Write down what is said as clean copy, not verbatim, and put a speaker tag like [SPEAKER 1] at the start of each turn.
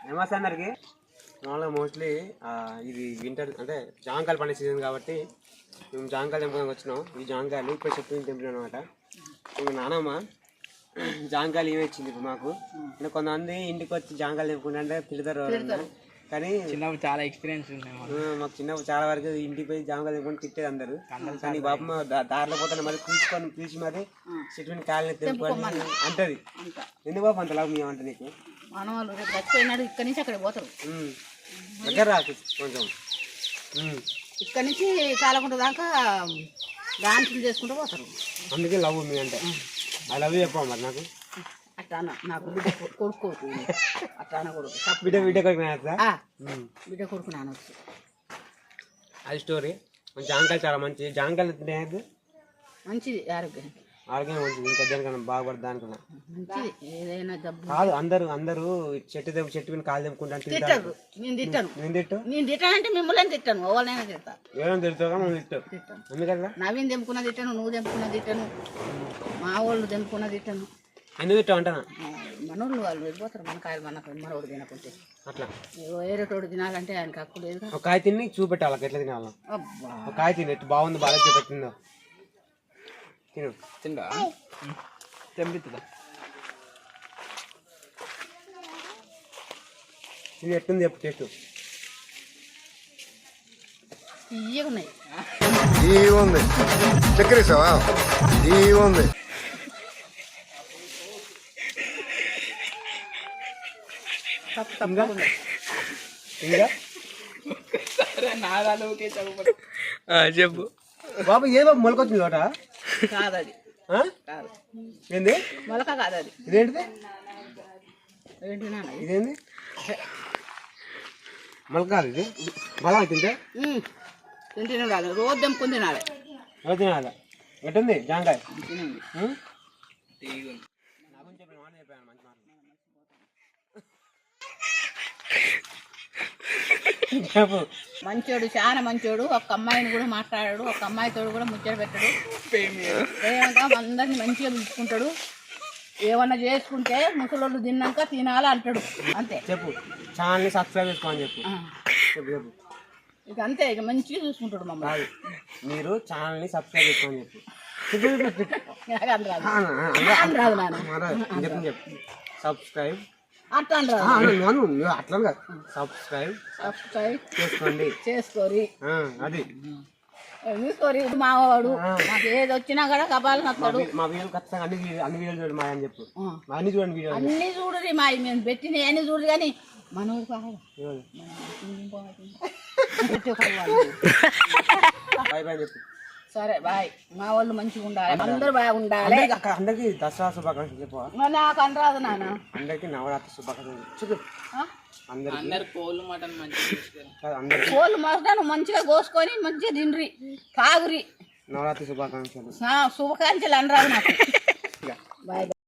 [SPEAKER 1] నమస్తే అందరికి. మామూలుగా మోస్ట్లీ ఇది వింటర్ అంటే జాంకాయలు పండే సీజన్ కాబట్టి మేము జాంకాయలు తెంపుకొని వచ్చినాం. ఈ జాంకాయలు ఇప్పుడు చెట్టు తెంపినాం అనమాట. ఇంకా నానమ్మ జాంకాయలు ఏమి ఇచ్చింది ఇప్పుడు మాకు. అంటే కొంతమంది ఇంటికి వచ్చి జాంకాయలు తెంపుకుంటే తిడతారు, కానీ
[SPEAKER 2] చిన్నప్పుడు చాలా ఎక్స్పీరియన్స్ ఉన్నాయి
[SPEAKER 1] మాకు. చిన్నప్పుడు చాలా వరకు ఇంటికి పోయి జాంకాయలు తెంపుకొని తిట్టేది అందరు. కానీ బాబమ్మ దారిలో పోతాను మరి పిలిచి మరి చెట్టు కాయలు తెంపుకొని అంటది. ఎందుకు బాబు అంత లాభం ఏమంట నీకు?
[SPEAKER 3] మనవాళ్ళు రేపు చచ్చిపోయినాడు ఇక్కడి నుంచి అక్కడ పోతారు.
[SPEAKER 1] దగ్గర రాకు కొంచెం.
[SPEAKER 3] ఇక్కడి నుంచి చాలకుండా దాకా డాన్సులు చేసుకుంటూ పోతారు.
[SPEAKER 1] అందుకే లవ్ మీ అంటే ఐ లవ్ చెప్పా మరి నాకు.
[SPEAKER 3] అట్లా నాకు కొడుకు అట్లా కొడుకు
[SPEAKER 1] బిడ్డ కొడుకు
[SPEAKER 3] బిడ్డ కొడుకు నానొచ్చు.
[SPEAKER 1] అది స్టోరీ. జాంకాయలు చాలా మంచి. జాంకాయలు తినేది
[SPEAKER 3] మంచిది ఆరోగ్యం
[SPEAKER 1] మంచిది. ఇంకా దేనికన్నా బాగుపడదు దానికన్నా
[SPEAKER 3] మంచిది. ఏదైనా జబ్బు
[SPEAKER 1] కాదు. అందరూ చెట్టు మీద కాలు తెంపుకుంటాను
[SPEAKER 3] తిట్టారు. నేను తిట్టాను. నేను తిట్టానంటే మిమ్మల్ని తిట్టాను. ఎవరినైనా తిడతా.
[SPEAKER 1] ఏమైనా తిడతావు మనం తిట్టావు. ఎందుకన్నా
[SPEAKER 3] నవీన్ తెంపుకున్న తిట్టాను, నువ్వు తెంపుకున్న తిట్టాను, మా వాళ్ళు తెంపుకున్న తిట్టాను.
[SPEAKER 1] ఎందుకు తిట్టావు అంటానా?
[SPEAKER 3] మనోళ్ళు వాళ్ళు వెళ్ళిపోతారు. మన కాయలు మనోడు తినకుంటే అట్లా వేరేటోడు తినాలంటే ఆయనకి హక్కు లేదు.
[SPEAKER 1] ఒక కాయ తిని చూపెట్టాలి ఎట్లా తినాల. ఒక కాయ తిని ఎట్టు బాగుంది బాగా చూపెట్టిందో తిను.
[SPEAKER 2] తిండా తెంపిస్తుందా?
[SPEAKER 1] ఇది ఎట్టుంది చెప్పు టేస్ట్.
[SPEAKER 3] ఇయ్య ఉన్నాయి.
[SPEAKER 4] ఉంది చక్కెర ఉంది.
[SPEAKER 1] ఇంకా
[SPEAKER 2] చెప్పు
[SPEAKER 1] బాబు. ఏ బాబు మొలకొచ్చింది తోట?
[SPEAKER 3] కాదది కాదు.
[SPEAKER 1] ఏంది
[SPEAKER 3] మొలక కాదు అది.
[SPEAKER 1] ఇదేంటిది?
[SPEAKER 3] ఏంటి
[SPEAKER 1] ఇదేంది మొలక కాదు ఇది. బలం తింటే
[SPEAKER 3] తింటే రాదు. రోజు తెంపుకుని తినాలి.
[SPEAKER 1] రోజు తినాలి. ఎట్టుంది జాంకాయ?
[SPEAKER 3] మంచోడు, చాలా మంచోడు. ఒక అమ్మాయిని కూడా మాట్లాడాడు. ఒక అమ్మాయితో కూడా ముచ్చట పెట్టాడు. ఏమంటా అందరిని మంచిగా చూసుకుంటాడు. ఏమన్నా చేసుకుంటే ముసలోళ్ళు తిన్నాక తినాలి అంటాడు. అంతే.
[SPEAKER 1] చెప్పు. ఛానల్ని సబ్స్క్రైబ్ చేసుకోమని చెప్పు. చెప్పు.
[SPEAKER 3] ఇక అంతే. ఇక మంచిగా చూసుకుంటాడు మమ్మల్ని.
[SPEAKER 1] మీరు ఛానల్ని సబ్స్క్రైబ్ చేసుకోమని చెప్పు.
[SPEAKER 3] రాదు నాన్న.
[SPEAKER 1] చెప్పు. సబ్స్క్రైబ్
[SPEAKER 3] అట్లా
[SPEAKER 1] అట్లా సబ్స్క్రైబ్
[SPEAKER 3] చేసుకోరి.
[SPEAKER 1] అది
[SPEAKER 3] తీసుకోరి. మావాడు మాకు ఏది వచ్చినా కూడా కపాలు నస్తాడు.
[SPEAKER 1] మా వీడియో ఖచ్చితంగా అన్ని వీడియోలు చూడండి మా అని చెప్పు. అన్ని చూడండి వీడియో. అన్ని
[SPEAKER 3] చూడరి మా మేము పెట్టిన అన్ని చూడరు. కానీ మనోడు
[SPEAKER 1] బాయ్ బాయ్ చెప్పు.
[SPEAKER 3] సరే బాయ్. మా వాళ్ళు మంచిగా ఉండాలి. అందరూ బాగుండాలి.
[SPEAKER 1] అందరికి దసరా శుభాకాంక్షలు చెప్పు.
[SPEAKER 3] నాకు అనరాదు నాన్న.
[SPEAKER 1] అందరికి నవరాత్రి శుభాకాంక్షలు.
[SPEAKER 3] కోళ్ళు మటన్ మంచిగా కోసుకొని మంచిగా తిండ్రి తాగురి.
[SPEAKER 1] నవరాత్రి శుభాకాంక్షలు.
[SPEAKER 3] శుభాకాంక్షలు అనరాదు నాకు. బాయ్.